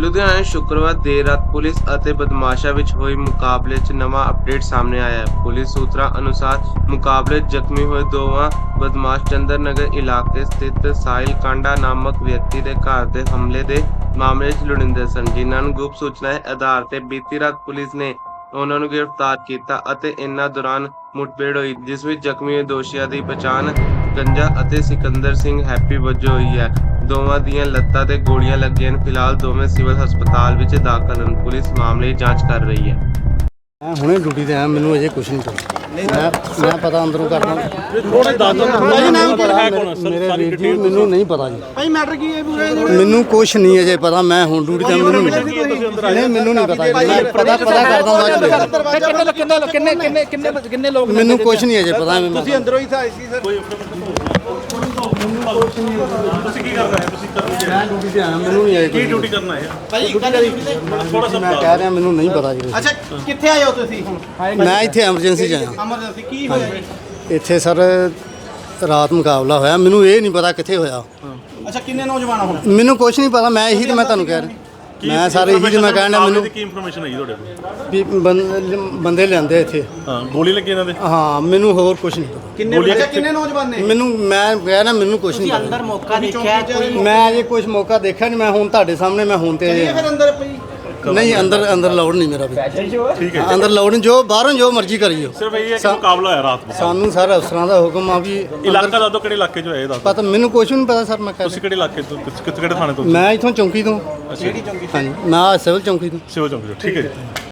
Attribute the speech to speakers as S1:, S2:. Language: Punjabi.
S1: ਲੁਧਿਆਣਾ ਸ਼ੁੱਕਰਵਾਰ ਦੇਰ ਰਾਤ ਪੁਲਿਸ ਅਤੇ ਬਦਮਾਸ਼ਾਂ ਵਿੱਚ ਹੋਏ ਮੁਕਾਬਲੇ 'ਚ ਨਵਾਂ ਅਪਡੇਟ ਸਾਹਮਣੇ ਆਇਆ ਹੈ। ਪੁਲਿਸ ਸੂਤਰਾਂ ਅਨੁਸਾਰ ਮੁਕਾਬਲੇ 'ਚ ਜ਼ਖਮੀ ਹੋਏ ਦੋਵਾਂ ਬਦਮਾਸ਼ ਚੰਦਰ ਨਗਰ ਇਲਾਕੇ ਸਥਿਤ ਸਾਹਿਲ ਕਾਂਡਾ ਨਾਮਕ ਵਿਅਕਤੀ ਦੇ ਘਰ ਦੇ ਹਮਲੇ ਦੇ ਮਾਮਲੇ 'ਚ ਲੋੜੀਂਦੇ ਸਨ, ਜਿਨ੍ਹਾਂ ਨੂੰ ਗੁਪਤ ਸੂਚਨਾ ਦੇ ਆਧਾਰ ਤੇ ਬੀਤੀ ਰਾਤ ਪੁਲਿਸ ਨੇ ਉਹਨਾਂ ਨੂੰ ਗ੍ਰਿਫਤਾਰ ਕੀਤਾ ਅਤੇ ਇਨ੍ਹਾਂ ਦੌਰਾਨ ਮੁਠਭੇੜ ਹੋਈ, ਜਿਸ ਵਿੱਚ ਜ਼ਖਮੀ ਹੋਏ ਦੋਸ਼ੀਆਂ ਦੀ ਪਛਾਣ ਗੰਜਾ ਅਤੇ ਸਿਕੰਦਰ ਸਿੰਘ ਹੈਪੀ ਵਜੋਂ ਹੋਈ ਹੈ। ਦੋਵਾਂ ਦੀਆਂ ਲੱਤਾਂ ਤੇ ਗੋਲੀਆਂ ਲੱਗੀਆਂ ਹਨ। ਫਿਲਹਾਲ ਦੋਵੇਂ ਸਿਵਲ ਹਸਪਤਾਲ ਵਿੱਚ ਦਾਖਲ ਹਨ। ਪੁਲਿਸ ਮਾਮਲੇ ਦੀ ਜਾਂਚ ਕਰ ਰਹੀ ਹੈ।
S2: ਮੈਂ ਹੁਣੇ ਡਿਊਟੀ ਤੇ ਆਇਆ, ਮੈਨੂੰ ਅਜੇ ਕੁਝ ਨਹੀਂ ਪਤਾ। ਮੈਂ ਪਤਾ ਅੰਦਰੋਂ ਕਰਦਾ। ਮੇਰੇ ਵੀਰ ਜੀ ਮੈਨੂੰ ਨਹੀਂ ਪਤਾ ਜੀ।
S3: ਭਾਈ ਮੈਟਰ ਕੀ ਹੈ ਪੂਰੇ?
S2: ਮੈਨੂੰ ਕੁਝ ਨਹੀਂ ਅਜੇ ਪਤਾ। ਮੈਂ ਹੁਣ ਡਿਊਟੀ ਤੇ ਮੈਨੂੰ ਨਹੀਂ ਪਤਾ। ਮੈਂ ਪਤਾ ਕਰਦਾ ਬਾਅਦ
S3: ਕਿੰਨੇ ਲੋਕ
S2: ਮੈਨੂੰ ਕੁਝ ਨਹੀਂ ਅਜੇ ਪਤਾ।
S3: ਤੁਸੀਂ ਅੰਦਰੋਂ ਹੀ ਆਏ ਸੀ ਸਰ?
S4: ਤੁਸੀਂ ਕੀ ਕਰਨਾ ਹੈ? ਤੁਸੀਂ
S2: ਮੈਂ ਡਿਊਟੀ ਤੇ ਆਇਆ, ਮੈਨੂੰ ਨਹੀਂ ਅਜੇ
S4: ਕੀ ਡਿਊਟੀ ਕਰਨਾ ਹੈ?
S3: ਭਾਈ
S4: ਥੋੜਾ ਸਾ
S2: ਮੈਂ ਕਹਿ ਰਿਹਾ ਮੈਨੂੰ ਨਹੀਂ ਪਤਾ ਜੀ।
S3: ਅੱਛਾ, ਕਿੱਥੇ ਆਏ ਹੋ ਤੁਸੀਂ ਹੁਣ?
S2: ਮੈਂ ਇੱਥੇ ਐਮਰਜੈਂਸੀ 'ਚ ਆਇਆ।
S3: ਐਮਰਜੈਂਸੀ ਕੀ ਹੋਇਆ ਜੀ?
S2: ਇੱਥੇ ਸਰ ਰਾਤ ਮੁਕਾਬਲਾ ਹੋਇਆ, ਮੈਨੂੰ ਇਹ ਨਹੀਂ ਪਤਾ ਕਿੱਥੇ ਹੋਇਆ।
S3: ਅੱਛਾ, ਕਿੰਨੇ ਨੌਜਵਾਨ ਹੁਣ?
S2: ਮੈਨੂੰ ਕੁਝ ਨਹੀਂ ਪਤਾ। ਮੈਂ ਇਹੀ ਤੇ ਮੈਂ ਤੁਹਾਨੂੰ ਕਹਿ ਰਿਹਾ। ਮੈਂ ਸਾਰੇ ਇਹੀ ਤੇ ਮੈਂ ਕਹਿਣਾ ਮੈਨੂੰ
S4: ਕੀ ਇਨਫੋਰਮੇਸ਼ਨ ਆਈ ਤੁਹਾਡੇ ਕੋਲ?
S2: ਵੀ ਬੰਦੇ ਲਿਆਂਦੇ ਇੱਥੇ।
S4: ਹਾਂ, ਗੋਲੀ ਲੱਗੀ ਇਹਨਾਂ ਦੇ?
S2: ਹਾਂ, ਮੈਨੂੰ ਹੋਰ ਕੁਝ ਨਹੀਂ ਪਤਾ।
S3: ਕਿੰਨੇ ਨੌਜਵਾਨ ਨੇ?
S2: ਮੈਂ ਕਹਿ ਰਿਹਾ ਮੈਨੂੰ ਕੁਝ ਨਹੀਂ ਪਤਾ।
S3: ਅੰਦਰ ਮੌਕਾ ਦੇਖਿਆ ਕੋਈ?
S2: ਮੈਂ ਅਜੇ ਕੁਝ ਮੌਕਾ ਦੇਖਿਆ ਨਹੀਂ। ਮੈਂ ਹੁਣ ਤੁਹਾਡੇ ਸਾਹਮਣੇ ਮੈਂ ਹੁਣ ਤੇ
S3: ਚਲਿਏ ਫਿਰ ਅੰਦਰ ਪਈ।
S2: ਨਹੀਂ, ਅੰਦਰ ਲਾਉਡ ਨਹੀਂ ਮੇਰਾ ਵੀ।
S4: ਠੀਕ ਹੈ,
S2: ਅੰਦਰ ਲਾਉਡ ਨਹੀਂ, ਜੋ ਬਾਹਰੋਂ ਜੋ ਮਰਜ਼ੀ ਕਰੀਓ।
S4: ਸਿਰਫ ਇਹ ਹੈ ਕਿ ਮੁਕਾਬਲਾ ਹੋਇਆ ਰਾਤ ਨੂੰ।
S2: ਸਾਨੂੰ ਸਾਰੇ ਅਫਸਰਾਂ ਦਾ ਹੁਕਮ ਆ ਵੀ
S4: ਇਲਾਕਾ ਦੱਸੋ ਕਿਹੜੇ ਇਲਾਕੇ 'ਚ ਹੋਇਆ ਇਹ ਦੱਸੋ।
S2: ਪਤਾ ਮੈਨੂੰ ਕੁਝ ਨਹੀਂ ਪਤਾ ਸਰ। ਮੈਂ ਕਹਿ
S4: ਤੁਸੀਂ ਕਿਹੜੇ ਇਲਾਕੇ ਤੋਂ, ਕਿਹੜੇ ਥਾਣੇ ਤੋਂ?
S2: ਮੈਂ ਇੱਥੋਂ ਚੌਂਕੀ ਤੋਂ।
S4: ਅੱਛਾ,
S2: ਹਾਂਜੀ, ਮੈਂ ਸਿਵਲ ਚੌਂਕੀ ਤੋਂ।
S4: ਸਿਵਲ ਚੌਂਕ ਤੋਂ। ਠੀਕ ਹੈ ਜੀ।